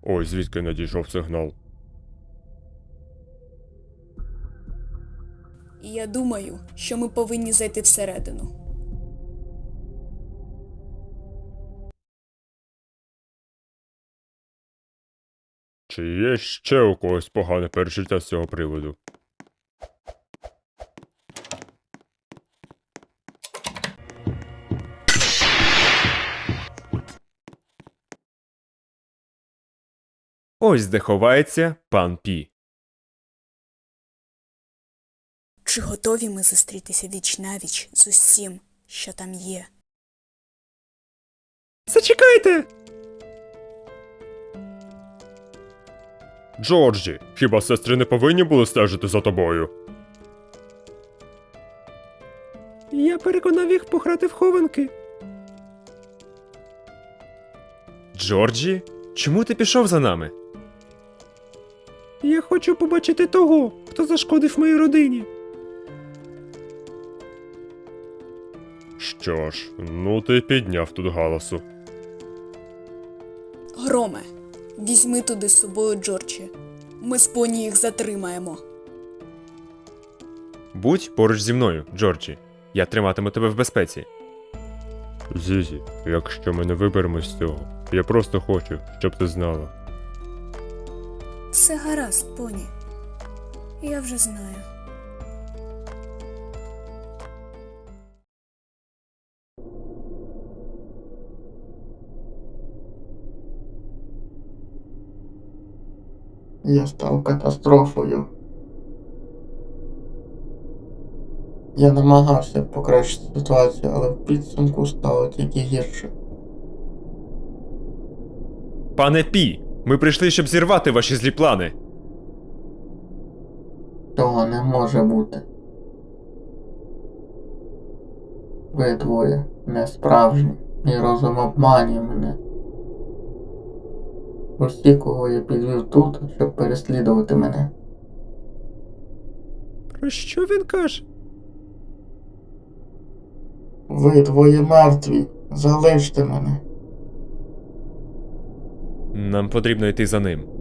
Ось звідки надійшов сигнал. І я думаю, що ми повинні зайти всередину. Чи є ще у когось погане перечуття з цього приводу? Ось де ховається пан Пі. Чи готові ми зустрітися віч-навіч з усім, що там є? Зачекайте! Джорджі, хіба сестри не повинні були стежити за тобою? Я переконав їх пограти в хованки. Джорджі, чому ти пішов за нами? Я хочу побачити того, хто зашкодив моїй родині. Що ж, ну ти підняв тут галасу. Громе, візьми туди з собою Джорджі. Ми з поні їх затримаємо. Будь поруч зі мною, Джорджі. Я триматиму тебе в безпеці. Зізі, якщо ми не виберемось з цього, я просто хочу, щоб ти знала. Все гаразд, поні. Я вже знаю. Я став катастрофою. Я намагався покращити ситуацію, але в підсумку стало тільки гірше. Пане Пі, ми прийшли, щоб зірвати ваші злі плани. Того не може бути. Ви двоє не справжні. Мій розум обманює мене. Усі, кого я підвів тут, щоб переслідувати мене. Про що він каже? Ви двоє мертві. Залиште мене. Нам потрібно йти за ним.